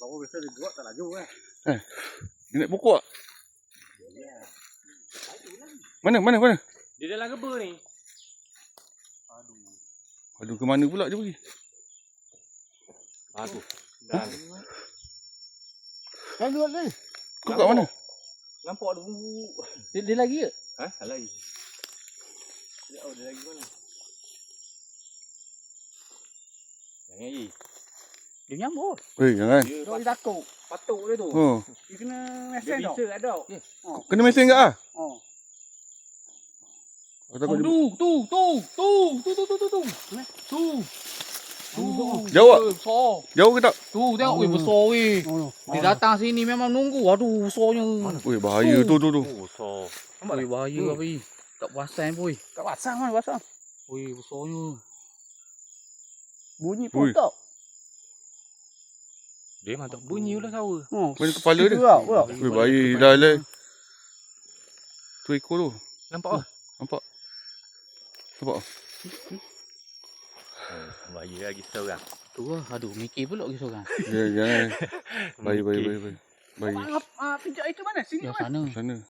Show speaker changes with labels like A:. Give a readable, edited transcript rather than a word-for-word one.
A: Kau biasa dia buat tak laju kan?
B: Dia naik pokok tak? Mana?
C: Dia dalam geba ni.
B: Aduh, ke mana pula dia pergi?
C: Aduh. Dah.
A: Kan luar ni.
B: Kau kat mana?
C: Nampak tu.
A: Dia lagi ke?
C: Ha? Tak lagi. Dia lagi mana? Jangan lagi.
A: Dia nyambut.
B: Weh, jangan.
C: Dia
A: Dia takut.
C: patuk dia tu.
B: Oh,
A: Dia kena
C: Dia
A: mesin tau.
C: bisa ada.
B: kena mesin ke ah?
A: Oh.
B: Aku takut dia... Jauh tak?
D: Besar.
B: Jauh ke tak?
D: Tu tengok weh besar weh.
A: Oh.
D: Dia datang sini memang nunggu. Aduh besarnya.
B: Weh, bahaya tu.
C: Oh, so.
D: Weh bahaya apa weh. Tak perasan pun weh.
A: Tak pasang kan, pasang.
D: Weh besarnya.
A: Bunyi
B: Ui.
A: pun tak.
C: Dia memang tak bunyi pula sawa.
A: Oh.
B: Mana kepala dia?
A: Pula.
B: Weh, bahaya dah lah. Tu ekor tu.
C: Nampak ah?
B: Nampak? Nampak?
C: Bahaya lagi seorang.
D: Tu lah. Aduh mikir pula kita seorang.
B: Jangan. Bahaya. Bahaya.
A: Pijak itu mana? Sini
D: Yang
A: mana?
D: sana.
B: Sana.